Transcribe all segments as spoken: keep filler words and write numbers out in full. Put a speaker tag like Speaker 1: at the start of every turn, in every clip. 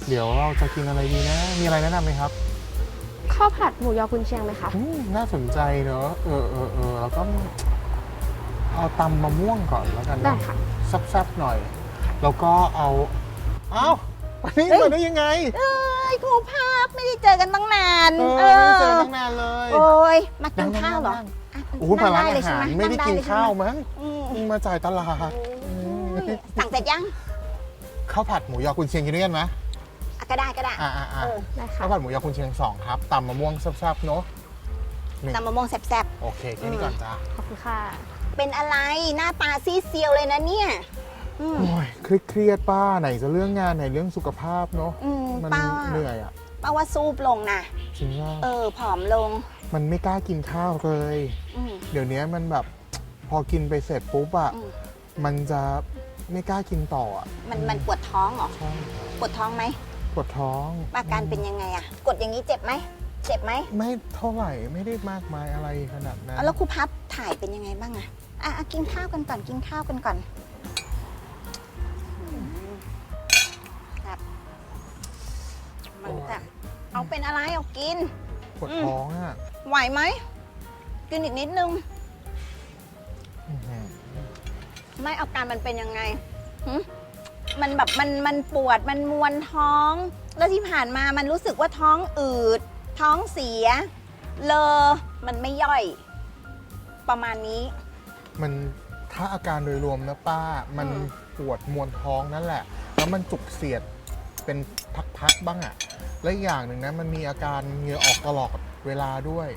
Speaker 1: เดี๋ยวเราจะกินอะไรดีนะ มีอะไรแนะนำไหมครับ
Speaker 2: ข้าวผัดหมูยอกุนเชียงไหมคะ
Speaker 1: น่าสนใจเนอะเออเออเออแล้วก็เอาตำมะม่วงก่อนแล้วกัน
Speaker 2: ได้
Speaker 1: เนาะ
Speaker 2: ค่ะ
Speaker 1: แซ่บๆหน่อย แล้วก็เอาเอ้าวันนี้มาได้ยังไง
Speaker 3: เอ้ยครูภาพไม่ได้เจอกันตั้งนาน
Speaker 1: เออไม่ได้เจอตั้งนานเลย
Speaker 3: โอ้ยมากินข้าวเหรอ
Speaker 1: โอ้มาร้านอาหารไม่ได้กินข้าวมั้งมาจ่ายตลาด
Speaker 3: สั่งเสร็จยัง
Speaker 1: ข้าวผัดหมูยอกุนเชียงกินด้วยกันไหม
Speaker 3: ก็ได้ก็ได้
Speaker 1: อ่าอ่าข้าวผัดหมูยอกุนเชียงสองครับตำมะม่วงแซ่บๆเนาะ
Speaker 3: ตำมะม่วงแซ่บ
Speaker 1: ๆโอเคแค่นี้ก่อนจ้า
Speaker 2: ขอบคุณค่ะ
Speaker 3: เป็นอะไรหน้าตาซีเซียวเลยนะเนี่ย
Speaker 1: โอ้ยเครียดป้าไหนจะเรื่องงานไหนเรื่องสุขภาพเนาะมันเหนื่อยอ่ะ
Speaker 3: ป้าว่าซูบลงนะ
Speaker 1: จริงว่า
Speaker 3: เออผอมลง
Speaker 1: มันไม่กล้ากินข้าวเลยเดี๋ยวนี้มันแบบพอกินไปเสร็จปุ๊บอ่ะมันจะไม่กล้ากินต่ออ่ะ
Speaker 3: มันมันปวดท้องเหรอ
Speaker 1: ใช่
Speaker 3: ปวดท้องไหม
Speaker 1: ปวดท้อง
Speaker 3: อาการเป็นยังไงอ่ะกดอย่างนี้เจ็บไหมเจ็บไหม
Speaker 1: ไม่เท่าไหร่ไม่ได้มากมายอะไรขนาดนั้น
Speaker 3: แล้วครูพับถ่ายเป็นยังไงบ้างอะอ่ะกินข้าวกันก่อนกินข้าวกันก่อนครับมันแบบเอาเป็นอะไรเอากิน
Speaker 1: ปวดท้องอ่ะ
Speaker 3: ไหวไหมกินอีกนิดนึงไม่อาการมันเป็นยังไงมันแบบมันมันปวดมันมวนท้องแล้วที่ผ่านมามันรู้สึกว่าท้องอืดท้องเสียเลอมันไม่ย่อยประมาณนี้
Speaker 1: มันถ้าอาการโดยรวมนะป้ามันปวดมวนท้องนั่นแหละแล้วมันจุกเสียดเป็นพักๆบ้างอ่ะและอย่างหนึ่งนะมันมีอาการเหงื่อออกตลอดเวลาด้วย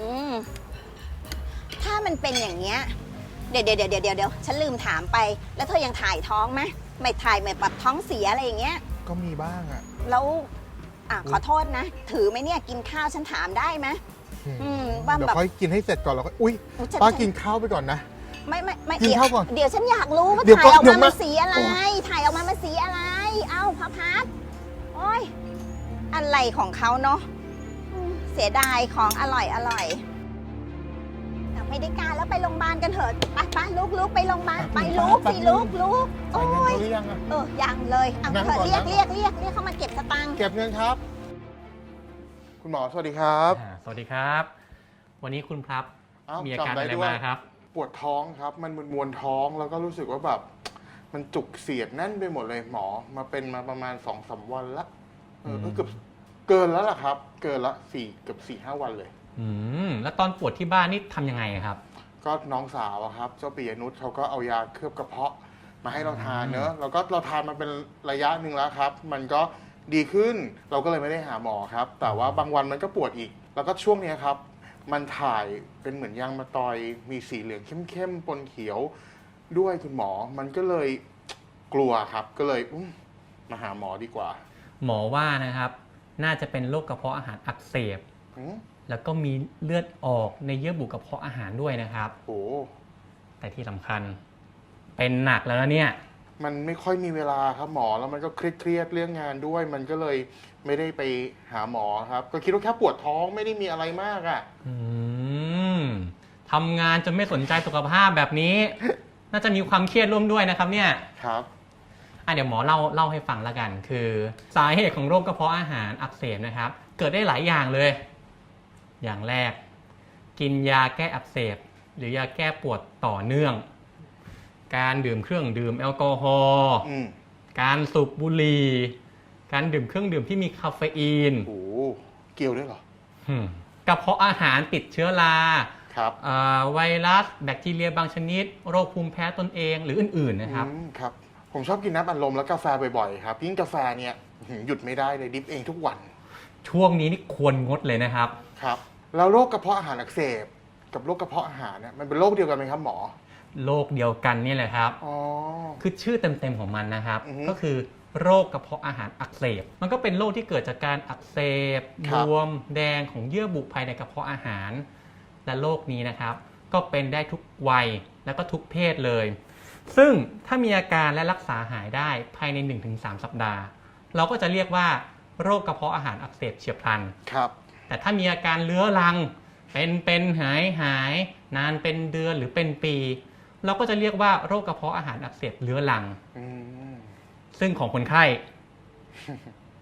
Speaker 3: ถ้ามันเป็นอย่างเงี้ยเดี๋ยวเดี๋ยวเดี๋ยวเดี๋ยวเดี๋ยวฉันลืมถามไปแล้วเธอยังถ่ายท้องไหมไม่ถ่ายแบบท้องเสียอะไรอย่างเงี้ย
Speaker 1: ก็มีบ้างอ่ะ
Speaker 3: แล้วอ่ะขอโทษนะถือไหมเนี่ยกินข้าวฉันถามได้ไหม
Speaker 1: อืมเดี๋ยวค่อยกินให้เสร็จก่อนแล้วก็อุ้ยป้ากินข้าวไปก่อนนะ
Speaker 3: ไม่ไม่ไม่
Speaker 1: กินข้าวก่อน
Speaker 3: เดี๋ยวฉันอยากรู้ว่าถ่ายออกมามันสีอะไรถ่ายออกมามันสีอะไรเอ้าพระพัดโอ้ยอะไรของเขาเนาะเสียดายของอร่อยอร่อยไม่ได้การแล้วไปโรงพยาบาลกันเถอะไปไปลุกลุกไปโรงพยาบาลไปลุกสิลุกลุก
Speaker 1: โอ้ย
Speaker 3: เออยังเลยเอาเถอะเรียกเรียกเรียกเรียกเขามาเก็บสตังค์
Speaker 1: เก็บเงินครับคุณหมอสวัสดีครับ
Speaker 4: สวัสดีครับวันนี้คุณครับมีอาการอะไรมาครับ
Speaker 1: ปวดท้องครับมันมวนท้องแล้วก็รู้สึกว่าแบบมันจุกเสียดแน่นไปหมดเลยหมอมาเป็นมาประมาณสองสามวันละเออเกือบเกินแล้วล่ะครับเกินละสี่เกือบสี่ห้าวันเลย
Speaker 4: อืมแล้วตอนปวดที่บ้านนี่ทำยังไงครับ
Speaker 1: ก็น้องสาวครับเจ้าปิยนุชเขาก็เอายาเคลือบกระเพาะมาให้เราทานเนอะแล้วก็เราทานมาเป็นระยะหนึ่งแล้วครับมันก็ดีขึ้นเราก็เลยไม่ได้หาหมอครับแต่ว่าบางวันมันก็ปวดอีกแล้วก็ช่วงนี้ครับมันถ่ายเป็นเหมือนยางมะตอยมีสีเหลืองเข้มๆปนเขียวด้วยคุณหมอมันก็เลยกลัวครับก็เลยมาหาหมอดีกว่า
Speaker 4: หมอว่านะครับน่าจะเป็นโรคกระเพาะอาหารอักเสบแล้วก็มีเลือดออกในเยื่อบุกระเพาะอาหารด้วยนะครับ
Speaker 1: โอ้
Speaker 4: แต่ที่สำคัญเป็นหนักแล้วนะเนี่ย
Speaker 1: มันไม่ค่อยมีเวลาครับหมอแล้วมันก็เครียดเรื่องงานด้วยมันก็เลยไม่ได้ไปหาหมอครับก็คิดว่าแค่ปวดท้องไม่ได้มีอะไรมากอ่ะ
Speaker 4: อืมทำงานจนไม่สนใจสุขภาพแบบนี้ น่าจะมีความเครียดร่วมด้วยนะครับเนี่ย
Speaker 1: ครับ
Speaker 4: อ่ะเดี๋ยวหมอเล่าเล่าให้ฟังแล้วกันคือสาเหตุของโรคกระเพาะอาหารอักเสบนะครับเกิดได้หลายอย่างเลยอย่างแรกกินยาแก้อักเสบหรือยาแก้ปวดต่อเนื่องการดื่มเครื่องดื่มแอลกอฮอล์การสูบบุหรี่การดื่มเครื่องดื่มที่มีคาเฟอีน
Speaker 1: โอ้เกี่ยวด้วยเหร
Speaker 4: อกระเพาะอาหารติดเชื้อรา
Speaker 1: ครับ
Speaker 4: ไวรัสแบคทีเรียบางชนิดโรคภูมิแพ้ตนเองหรืออื่นๆนะครับ
Speaker 1: ครับผมชอบกินน้ำอัดลมและกาแฟบ่อยๆครับยิ่งกาแฟเนี่ยหยุดไม่ได้เลยดิฟเองทุกวัน
Speaker 4: ช่วงนี้นี่ควรงดเลยนะครับ
Speaker 1: ครับแล้วโรคกระเพาะอาหารอักเสบกับโรคกระเพาะอาหารเนี่ยมันเป็นโรคเดียวกันไหมครับหมอ
Speaker 4: โรคเดียวกันนี่แหละครับ
Speaker 1: อ๋อ
Speaker 4: คือชื่อเต็มๆของมันนะครับก็คือโรคกระเพาะอาหารอักเสบมันก็เป็นโรคที่เกิดจากการอักเสบบวมแดงของเยื่อบุภายในกระเพาะอาหารและโรคนี้นะครับก็เป็นได้ทุกวัยแล้วก็ทุกเพศเลยซึ่งถ้ามีอาการและรักษาหายได้ภายใน หนึ่งถึงสาม สัปดาห์เราก็จะเรียกว่าโรคกระเพาะอาหารอักเสบเฉียบพลัน
Speaker 1: ครับ
Speaker 4: แต่ถ้ามีอาการเรื้อรังเป็นเป็นหายหายนานเป็นเดือนหรือเป็นปีเราก็จะเรียกว่าโรคกระเพาะอาหารอักเสบเรื้อรังซึ่งของคนไข้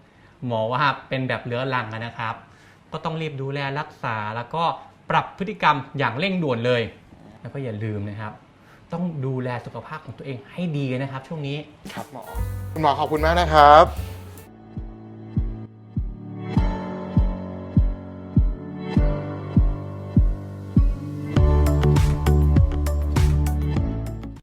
Speaker 4: หมอว่าเป็นแบบเรื้อรังนะครับ ก็ต้องรีบดูแลรักษาแล้วก็ปรับพฤติกรรมอย่างเร่งด่วนเลย แล้วก็อย่าลืมนะครับ ต้องดูแลสุขภาพของตัวเองให้ดีนะครับ ช่วงนี้
Speaker 1: ครับหมอคุณหมอขอบคุณมากนะครับ